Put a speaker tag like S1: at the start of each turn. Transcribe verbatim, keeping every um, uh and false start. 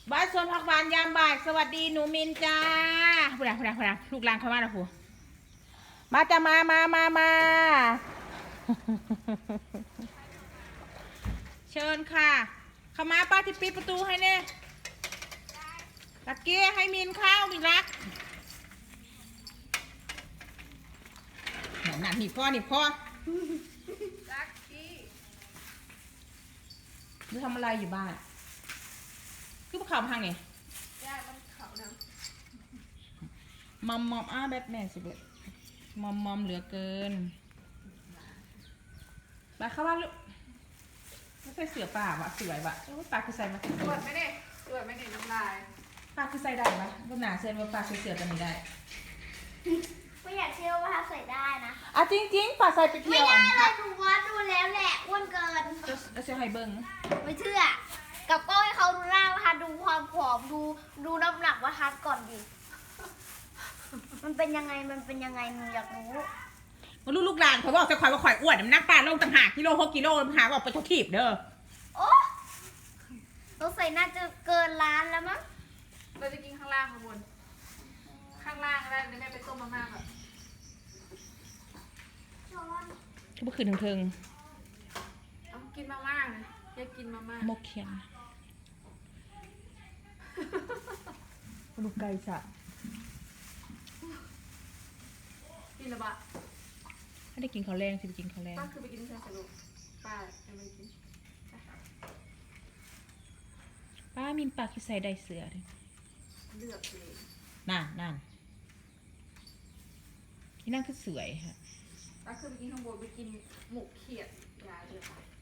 S1: บ้านสวนผักหวานยามบ่ายสวัสดีหนูมินจ้าพูดอะไรพูดอะไรพูดอะไรลูกหลานเข้ามาแล้วพูมาจะมามามามาเชิญค่ะเข้ามาป้าที่ปิดประตูให้เน่ตะเกียให้มินข้าวมินรักหนักหนีพ่อหนีพ่อรักกี้นี่ทำอะไรอยู่บ้านคือข่าวทางไหนย่ามันข่าวนะมอมมอมอ้าแบทแมนสิเบิร์ดมอมมอมเหลือเกินไปเข้าบ้านลูกไม่ใช่เสือป่าวะสวยวะปลาคือใส่มาสวยไหมเนี่ยสวยไหมเนี่ยน้ำลายปลาคือใส่ได้ปะบนหนาเซนว่าปลาใส่เสือกันไม่ได้
S2: ไม่อยากเชื่อว่าใส่ได้นะ
S1: อ่ะจริงจริงปลาใส่ไปเที่ยว
S2: ไม่ได้เลยดูวัดดูแล้วแหละอ้วนเกิน
S1: จะเชื่อให้เบิ้ง
S2: ไม่เชื่อกับก้อยเขาดูหน้าว่าทัดดูความผอมดูดูน้ำหนักว่าทัดก่อนดิมันเป็นยังไงมันเป็นยังไงหนูอยากรู้
S1: มาลูกลูกหลานเขาบอกจะคอยว่าคอยอ้วนน้ำหนักปลาลงต่างหากกิโลหกกิโลหาบอกไปทุกทีบเด้อ
S2: โอ้เราใส่น่าจะเกินล้านแล้วมั้ง
S3: เราจะกินข้างล่างข้างบนข้างล่างได้แม่ไปต้มมาม่าแบบ
S1: ก็เมื่อคืนเทิง
S3: เอากินมาม่าเลยอยากกินมาม่าม
S1: กเขียนลูกไก่สับ
S3: กินละบะ
S1: ไม่ได้กินข้าวแรงสิไปกินข้าวแรง
S3: ป้าคือไปกินเชสรุปป้ายังไม่กิน
S1: ป้ามินปากที่ใส่ได้เสือเลย
S3: เลือกเลย
S1: นั่นนั่นที่นั่งคือสวยฮะ
S3: ป้าคือไปกินข้างบนไปกินหมูเขียดยาเดือด